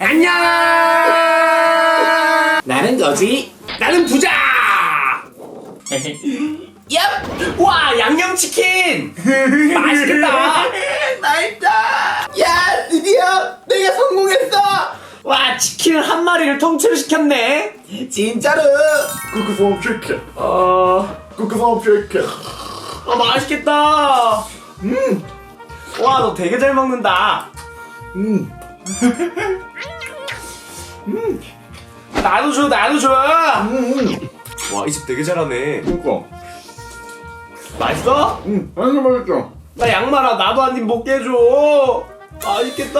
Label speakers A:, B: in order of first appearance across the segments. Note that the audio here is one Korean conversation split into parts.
A: 안녕. 나는 거지. 나는 부자. 얍! 와, 양념치킨! 맛있겠다!
B: 맛있다. 야, 드디어 내가 성공했어.
A: 와, 치킨을 한 마리를 통째로 시켰네?
B: 진짜로. 쿠크솜 치킨. 쿠크솜 치킨.
A: 맛있겠다! 와, 너 되게 잘 먹는다. 나도 줘, 나도 줘! 와, 이 집 되게 잘하네.
B: 그니까.
A: 맛있어?
B: 완전 맛있죠.
A: 나 양말아, 나도 한 입 먹게 해줘. 맛있겠다.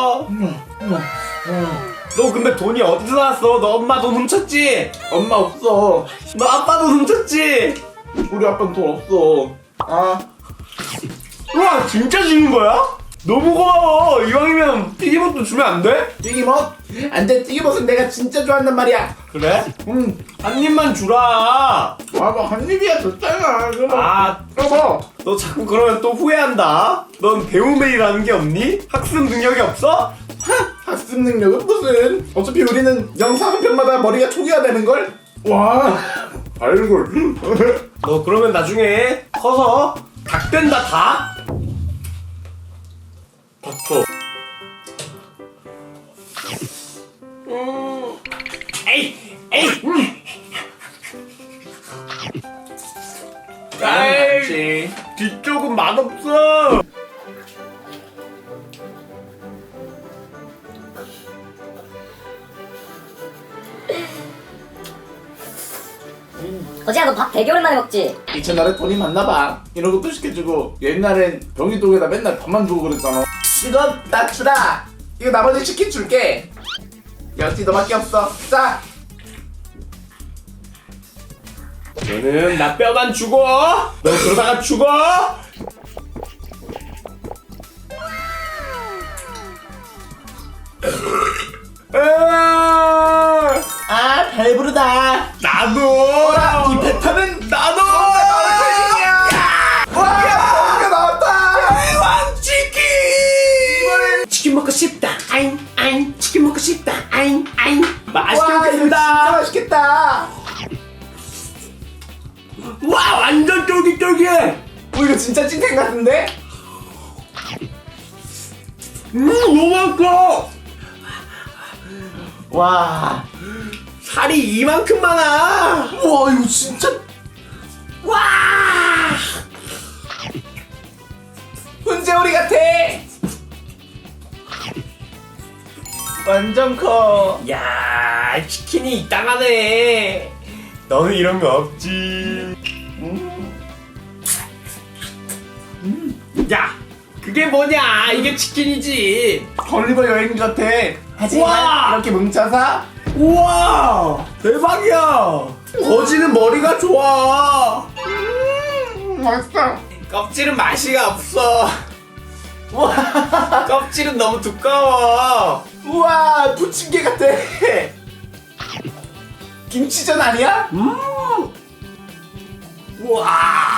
A: 너 근데 돈이 어디서 나왔어? 너 엄마 돈 훔쳤지?
B: 엄마 없어.
A: 너 아빠 돈 훔쳤지?
B: 우리 아빠는 돈 없어. 아,
A: 우와, 진짜 주는 거야? 너무 고마워. 이왕이면 튀김옷도 주면 안 돼?
B: 튀김옷? 안 돼, 튀김옷은 내가 진짜 좋아한단 말이야.
A: 그래? 한 입만 주라.
B: 한 입이야 줬잖아.
A: 아,
B: 여보.
A: 너 자꾸 그러면 또 후회한다. 넌 배움에이라는 게 없니? 학습 능력이 없어?
B: 학습 능력은 무슨? 어차피 우리는 영상 한 편마다 머리가 초기화 되는 걸. 와, 발굴.
A: 너 그러면 나중에 커서 닭 된다, 닭?
B: 닥쳐.
A: 에이, 에이. 에이, 뒤쪽은 맛없어.
C: 거지야 너 밥 되게 오랜만에 먹지?
B: 이 채널에 돈이 많나봐. 이런 것도 시켜주고 옛날엔 병이독에다 맨날 밥만 주고 그랬잖아. 이거 나 주라. 이거 나머지 치킨 줄게. 역시 너밖에 없어. 자.
A: 너는 나 뼈만 주고, 너 그러다가 죽어.
B: 아, 배부르다.
A: 나도.
B: 이 뱉어는
A: 나도.
B: 와, 이거 나왔다.
A: 왕치킨. 치킨 먹고 싶다. 아잉, 아잉. 치킨 먹고 싶다. 아잉, 아잉. 맛있게
B: 와, 이거 진짜
A: 먹겠습니다.
B: 맛있겠다.
A: 와, 완전 쫄깃쫄깃해.
B: 이거 진짜 찐텐 같은데?
A: 너무 맛있어.
B: 와,
A: 살이 이만큼 많아.
B: 와, 이거 진짜
A: 와.
B: 훈제오리 같아. 완전 커.
A: 야, 치킨이 이따가네. 너는 이런 거 없지. 야, 그게 뭐냐? 이게 치킨이지.
B: 걸리버 여행지 같아. 하지만
A: 우와!
B: 이렇게 뭉쳐서
A: 우와, 대박이야. 거지는 머리가 좋아.
B: 맛있어.
A: 껍질은 맛이 없어. 우와, 껍질은 너무 두꺼워.
B: 우와, 부침개 같아. 김치전 아니야?
A: 우와.